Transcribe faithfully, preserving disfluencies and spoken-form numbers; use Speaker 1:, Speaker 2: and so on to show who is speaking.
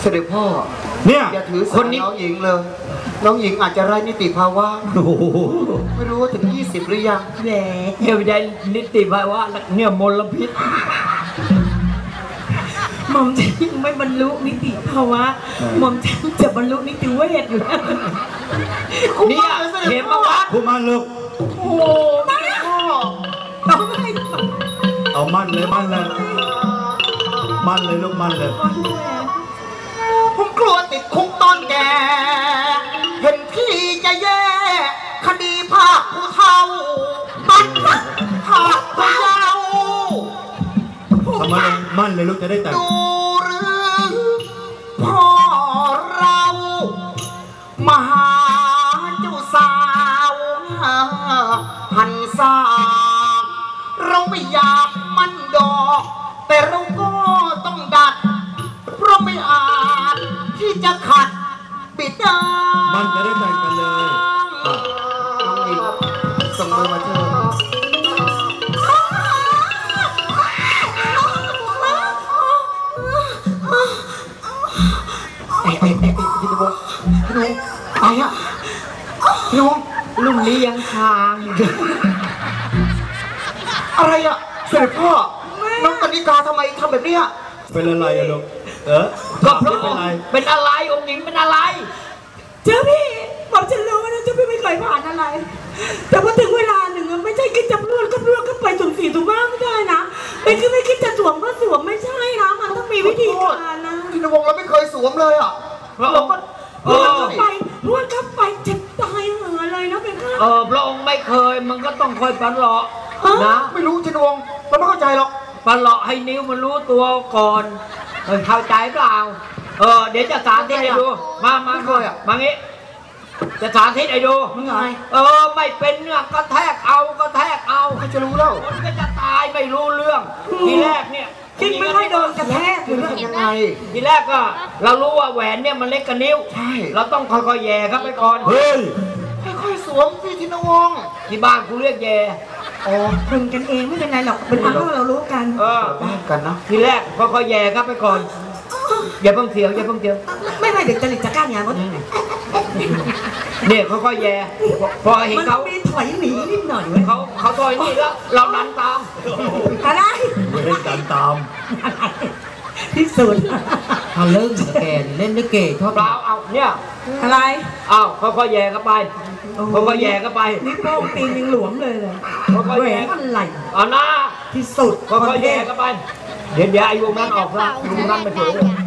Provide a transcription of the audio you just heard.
Speaker 1: เสด็จพ่อ
Speaker 2: เนี่ย
Speaker 1: อย่าถือสาน้องหญิงเลยน้องหญิงอาจจะไร้นิติภาวะไม่รู้ว่าถึงยี่สิบหรือยัง
Speaker 3: แหมเดี๋ยวได้นิติภาวะเนี่ยมลพิษหม่อมฉันยังไม่บรรลุนิติภาวะหม่อมฉันจะบรรลุนิติเวชอยู่แล้ว
Speaker 1: เนี่ย
Speaker 3: เห็นปะวะ
Speaker 2: ผู้มั่นลูก
Speaker 3: โอ้ไม่ต้องให้
Speaker 2: เอามั่นเลยมั่นเลยมั่นเลยลูกมั่นเลย
Speaker 1: ผมกลัวติดคุกตอนแก่เห็นพี่จะแย่คดีภาคผู้เฒ่าตัดภาคผู้เยาว์
Speaker 2: ทำไมมั่นเลยลูกจะได้แต่ง
Speaker 1: ดูหรือพ่อเรามาหาเจ้าสาวหันษาเราไม่อยากมั่นดอกแต่เราก็ต้องดัดเพราะไม่อาจที่จะขัดปิดดา
Speaker 2: มันจะได้แต่งกันเลย
Speaker 1: น้องหญิงส่งมือมาเถอะไอ้ไอ้ไอ้พี่นวงพี่นวงไอ้อะพี่นวง
Speaker 3: ลุ่มนี้ยังคาง
Speaker 1: อะไรอะเสด็จพ่อน้องกนิกาทำไมทำแบบนี้
Speaker 2: เป็นอะไรอะลูกเออ
Speaker 3: ก็เพราะเป็นอะไรเป็นอะไรองค์หญิงเป็นอะไร
Speaker 4: เจ้าพี่บอกฉันรู้นะเจ้าพี่ไม่เคยผ่านอะไรแต่พอถึงเวลาหนึ่งไม่ใช่คิดจะรวดก็รวดก็ไปสุ่มสี่สุ่มห้าไม่ได้นะเป็นคือไม่คิดจะสวมก็สวมไม่ใช่นะมันต้องมีวิธีการนะ
Speaker 1: พี่นวงเราไม่เคยสวมเลยอ่ะ
Speaker 3: เราก็
Speaker 4: รวดเข้าไปรวดเข้าไปจะตายเหมือเลยนะเป็น
Speaker 3: เออพระองค์ไม่เคยมันก็ต้องคอยปันหลอกนะ
Speaker 1: ไม่รู้พี่นวงเราไม่เข้าใจหรอก
Speaker 3: ปันหลอกให้นิ้วมันรู้ตัวก่อนเออเข้าใจเปล่าเออเดี๋ยวจะสาธิตให้ดูมามาเคยอ่ะมางี้จะสาธิตให้ดู
Speaker 1: มึงไง
Speaker 3: เออไม่เป็นเนี่ยก็แทกเอาก็แทกเอา
Speaker 1: ใครจะรู้แล้ว
Speaker 3: มันก็จะตายไม่รู้เรื่องทีแรกเนี่ย
Speaker 4: จริงไม่ค่อยโดนกระแทก
Speaker 1: คือเรื่องยังไง
Speaker 3: ทีแรกก็เรารู้ว่าแหวนเนี่ยมันเล็กกับนิ้ว
Speaker 1: ใช่
Speaker 3: เราต้องค่อยๆแย่ครับไปก่อน
Speaker 2: เฮ้ย
Speaker 1: ค่อยๆสวมพี่ธินวง
Speaker 3: ที่บ้านกูเรียกแย่
Speaker 4: อ๋อคุยกันเองไม่เป็นไรหรอกเป็นอันว่าเรารู้กัน
Speaker 3: เออ
Speaker 1: บ้านกันนะ
Speaker 3: ทีแรกค่อยๆแย่ครับไปก่อนอย่าเพิ่งเสียวอย่าเพิ่งเสียว
Speaker 4: ไม่ไม่เด็กจริตจะกล้างานมั้ง
Speaker 3: เนี่ยค่อยๆแย่พอเห็นเขา
Speaker 4: มีถอยหนีนิดหน่อย
Speaker 3: เขาเขาถอยนี่แล้วเราดันตาม
Speaker 4: อะไร
Speaker 2: เล่นดันตาม
Speaker 4: ที่สุด
Speaker 3: เขาเลิกแกเล่นด้วยเก๋ชอบเราเอาเนี่ย
Speaker 4: อะไร
Speaker 3: เอาค่อยๆแย่เข้าไปค่อยๆแย่เข้าไป
Speaker 4: นี่โป้งตีนยังหลวมเลยเลย
Speaker 3: ค่อยๆแย่
Speaker 4: อะไร
Speaker 3: เอาหน้า
Speaker 4: ที่สุด
Speaker 3: ค่อยๆแย่เข้าไปเดี๋ยวเดี๋ยวไอ้วงนั้นออกละวงนั้นไปเฉยเลย